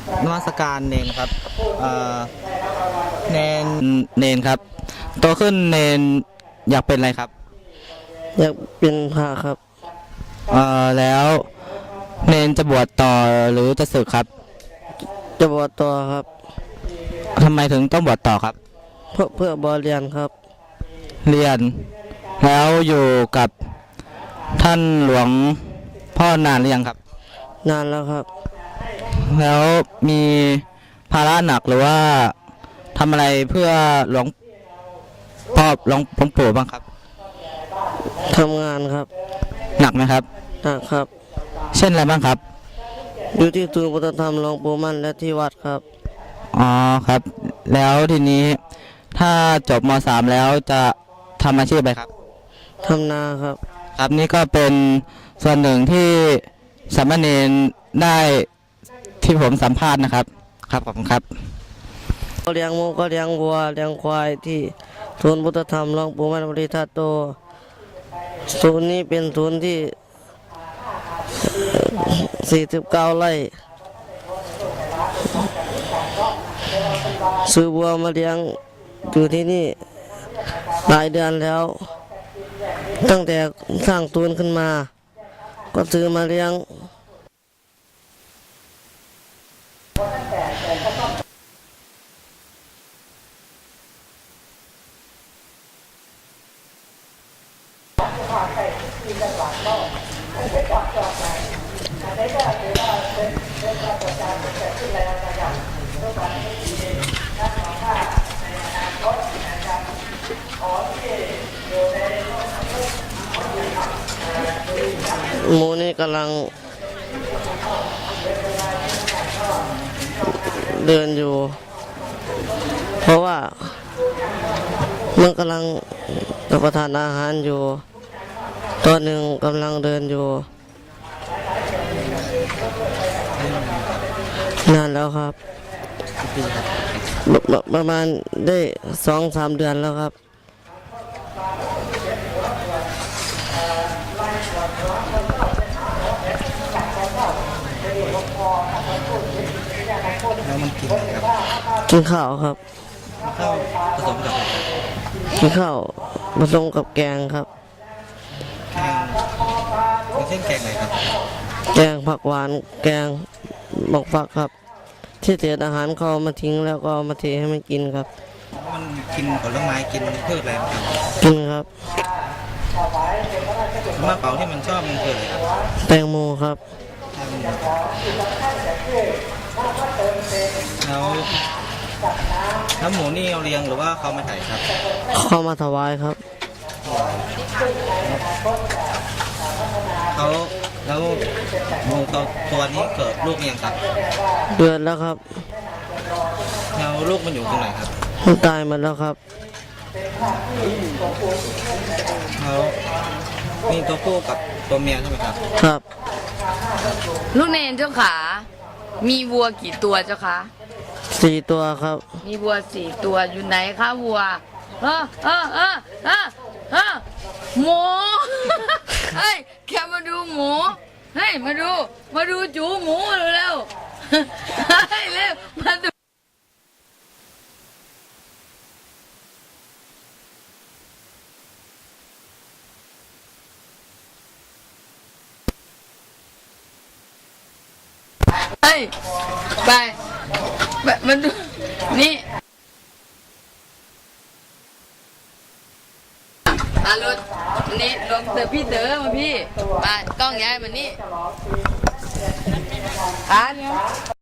นมัสการเนนครับเนเนนครับโตขึ้นเนนอยากเป็นอะไรครับอยากเป็นพระครับแล้วเนนจะบวชต่อหรือจะสึกครับจะบวชต่อครับทำไมถึงต้องบวชต่อครับเพื่อบวชเรียนครับเรียนแล้วอยู่กับท่านหลวงพ่อนานหรือยังครับนานแล้วครับแล้วมีภาระหนักหรือว่าทำอะไรเพื่อหลวงพ่อหลวงปู่บ้างครับทำงานครับหนักไหมครับหนักครับเช่นอะไรบ้างครับอยู่ที่ศูนย์วัฒนธรรมหลวงปู่มั่นและที่วัดครับอ๋อครับแล้วทีนี้ถ้าจบม.3 แล้วจะทำอาชีพอะไรครับทำนาครับครับนี่ก็เป็นส่วนหนึ่งที่สามเณรได้ที่ผมสัมภาษณ์นะครับครับขอบคุณครับเลี้ยงหมูก็เลี้ยงวัวเลี้ยงควายที่ศูนย์พุทธธรรมหลวงปู่มั่นปริทัตโตศูนย์นี้เป็นศูนย์ที่49 ไร่ซื้อวัวมาเลี้ยงอยู่ที่นี่หลายเดือนแล้วตั้งแต่สร้างศูนย์ขึ้นมาก็ซื้อมาเลี้ยงหมูนี่กำลังเดินอยู่เพราะว่ามันกำลังรับประทานอาหารอยู่ตัวหนึ่งกำลังเดินอยู่นานแล้วครับประมาณได้2-3 เดือนแล้วครับแล้วมันกินอะไรครับกินข้าวครับข้าวผสมกับกินข้าวผสมกับแกงครับแกงเส้นแกงอะไรครับแกงผักหวานแกงหมกฝักครับที่เศษอาหารเขามาทิ้งแล้วก็มาเทให้มันกินครับมันกินผลไม้กินพืชอะไรครับกินครับมะเป๋าที่มันชอบมันคืออะไรครับแตงโมครับแล้วหมูนี่เอาเลี้ยงหรือว่าเขามาถ่ายครับเขามาถวายครับเขาแล้วหมูตัวนี้เกิดลูกยังครับเดือนแล้วครับแล้วลูกมันอยู่ตรงไหนครับมันตายหมดแล้วครับแล้วมีตัวผู้กับตัวเมียใช่ไหมครับครับลูกเนนเจ้าขามีวัวกี่ตัวเจ้าคะ 4 ตัวครับมีวัว4 ตัวอยู่ไหนคะวัวหมูเฮ้ยแค่มาดูหมูเฮ้ยมาดูจูหมูเร็วเฮ้ยเร็วมาดูเฮ้ยไปมาดูนี่รถนี่ลงเตอพี่เต๋อมาพี่มากล้องย้ายมานี่